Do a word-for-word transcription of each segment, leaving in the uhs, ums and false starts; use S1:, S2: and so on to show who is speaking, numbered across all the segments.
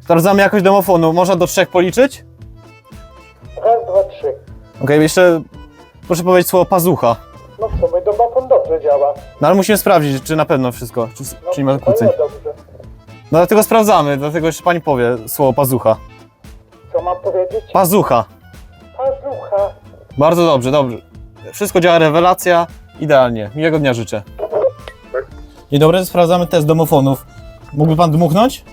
S1: Sprawdzamy jakość domofonu. Można do trzech policzyć?
S2: Raz, dwa, trzy.
S1: Okej, okay, jeszcze proszę powiedzieć słowo pazucha.
S2: No w sumie domofon dobrze działa.
S1: No ale musimy sprawdzić, czy na pewno wszystko, czy,
S2: No,
S1: czy nie ma
S2: to
S1: kłóceń.
S2: nie dobrze.
S1: No dlatego sprawdzamy, dlatego jeszcze pani powie słowo pazucha.
S2: Co mam powiedzieć?
S1: Pazucha.
S2: Pazucha.
S1: Bardzo dobrze, dobrze. Wszystko działa, rewelacja, idealnie. Miłego dnia życzę. Dzień dobry, sprawdzamy test domofonów. Mógłby pan dmuchnąć?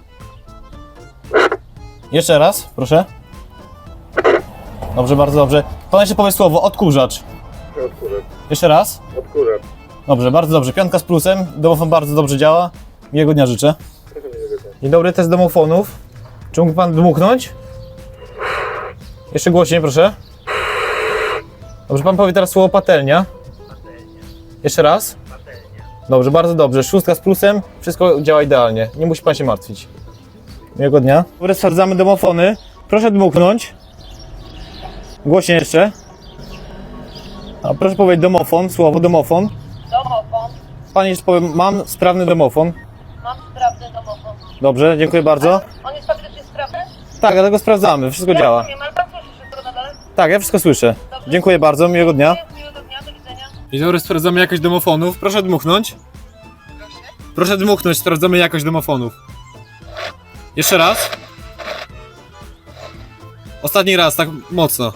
S1: Jeszcze raz, proszę. Dobrze, bardzo dobrze. Pan jeszcze powie słowo odkurzacz.
S2: Odkurzacz.
S1: Jeszcze raz.
S2: Odkurzacz.
S1: Dobrze, bardzo dobrze. Piątka z plusem. Domofon bardzo dobrze działa. Miłego dnia życzę. Dzień dobry, test domofonów. Czy mógłby pan dmuchnąć? Jeszcze głośniej, proszę. Dobrze, pan powie teraz słowo patelnia. Jeszcze raz. Dobrze, bardzo dobrze. Szóstka z plusem. Wszystko działa idealnie. Nie musi pan się martwić. Miłego dnia. Dobra, sprawdzamy domofony. Proszę dmuchnąć. Głośniej jeszcze. A proszę powiedzieć domofon, słowo domofon.
S3: Domofon.
S1: Pani jeszcze powie, mam sprawny domofon.
S3: Mam sprawny domofon.
S1: Dobrze, dziękuję bardzo.
S3: On jest faktycznie sprawny?
S1: Tak, dlatego sprawdzamy. Wszystko działa.
S3: Nie, ale pan słyszy wszystko na dole?
S1: Tak, ja wszystko słyszę.
S3: Dobrze.
S1: Dziękuję bardzo, miłego dnia.
S3: Miłego dnia, do widzenia.
S1: Dzień dobry, sprawdzamy jakość domofonów. Proszę dmuchnąć. Proszę dmuchnąć, sprawdzamy jakość domofonów. Jeszcze raz. Ostatni raz, tak mocno.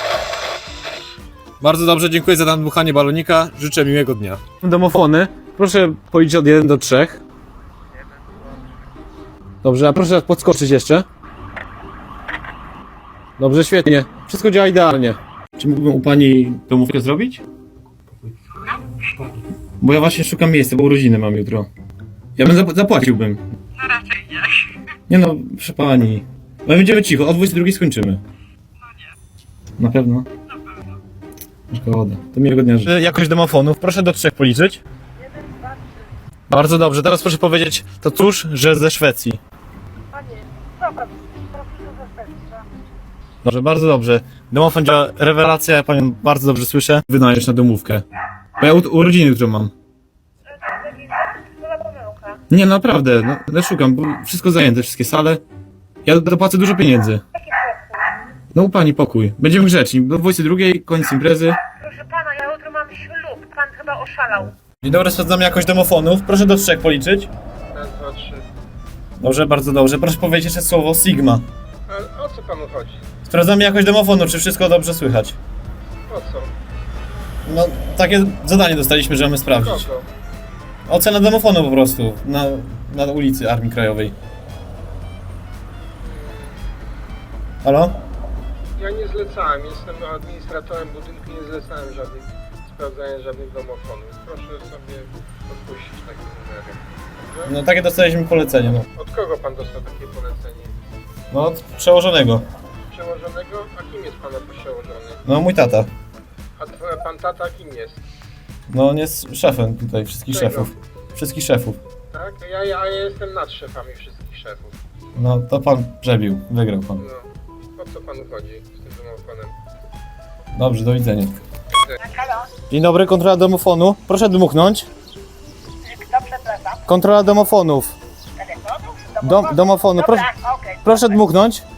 S1: Bardzo dobrze, dziękuję za nadmuchanie balonika. Życzę miłego dnia. Domofony. Proszę policzyć od jeden do trzech. Dobrze, a proszę podskoczyć jeszcze. Dobrze, świetnie. Wszystko działa idealnie. Czy mógłbym u pani domówkę zrobić? Bo ja właśnie szukam miejsca, bo urodziny mam jutro. Ja bym zap- zapłaciłbym.
S3: No raczej nie.
S1: Nie no, proszę pani. My będziemy cicho, o dwudziestej drugiej skończymy.
S3: No nie.
S1: Na pewno?
S3: Na pewno.
S1: Szkoda. To miłego dnia życzę. Jakość domofonów, proszę do trzech policzyć.
S3: Jeden, dwa, trzy.
S1: Bardzo dobrze, teraz proszę powiedzieć, to cóż, że ze Szwecji.
S3: Panie, dobra, proszę ze Szwecji.
S1: Dobrze, bardzo dobrze. Domofon działa, rewelacja, ja panią bardzo dobrze słyszę. Wynajesz na domówkę. Bo ja u- urodziny jutro mam.
S3: To za pomyłka.
S1: Nie, naprawdę, no, no szukam, bo wszystko zajęte, wszystkie sale. Ja dopłacę dużo pieniędzy.
S3: Jaki pokój?
S1: No u pani pokój. Będziemy grzeczni. Do dwudziestej drugiej, koniec imprezy.
S3: Proszę pana, ja jutro mam ślub. Pan chyba oszalał.
S1: Dzień dobry, sprawdzamy jakość domofonów. Proszę do trzech policzyć.
S2: Raz, dwa, trzy.
S1: Dobrze, bardzo dobrze. Proszę powiedzieć jeszcze słowo Sigma.
S2: Ale o co panu chodzi?
S1: Sprawdzamy jakość domofonu, czy wszystko dobrze słychać.
S2: O co?
S1: No, takie zadanie dostaliśmy, że mamy sprawdzić.
S2: Kogo?
S1: Ocena domofonu po prostu, na, na ulicy Armii Krajowej. Halo?
S2: Ja nie zlecałem, jestem administratorem budynku, nie zlecałem żadnych sprawdzania żadnych domofonów. Proszę sobie odpuścić takie numery. Dobrze?
S1: No takie dostaliśmy polecenie, no.
S2: Od kogo pan dostał takie polecenie?
S1: No od przełożonego.
S2: Przełożonego? A kim jest pana przełożony?
S1: No mój tata.
S2: A twoja pan tata kim jest?
S1: No on jest szefem tutaj wszystkich
S2: Czego?
S1: szefów. Wszystkich szefów.
S2: Tak? Ja, ja, ja jestem nad szefami wszystkich szefów.
S1: No to pan przebił, wygrał pan.
S2: No. O co panu chodzi z tym domofonem?
S1: Dobrze, do widzenia.
S3: Halo?
S1: Dzień dobry, kontrola domofonu. Proszę dmuchnąć.
S3: Kto przepraszam?
S1: Kontrola domofonów.
S3: Telefonu?
S1: Dom, domofonu. Proszę,
S3: Dobra, okej.
S1: proszę dmuchnąć.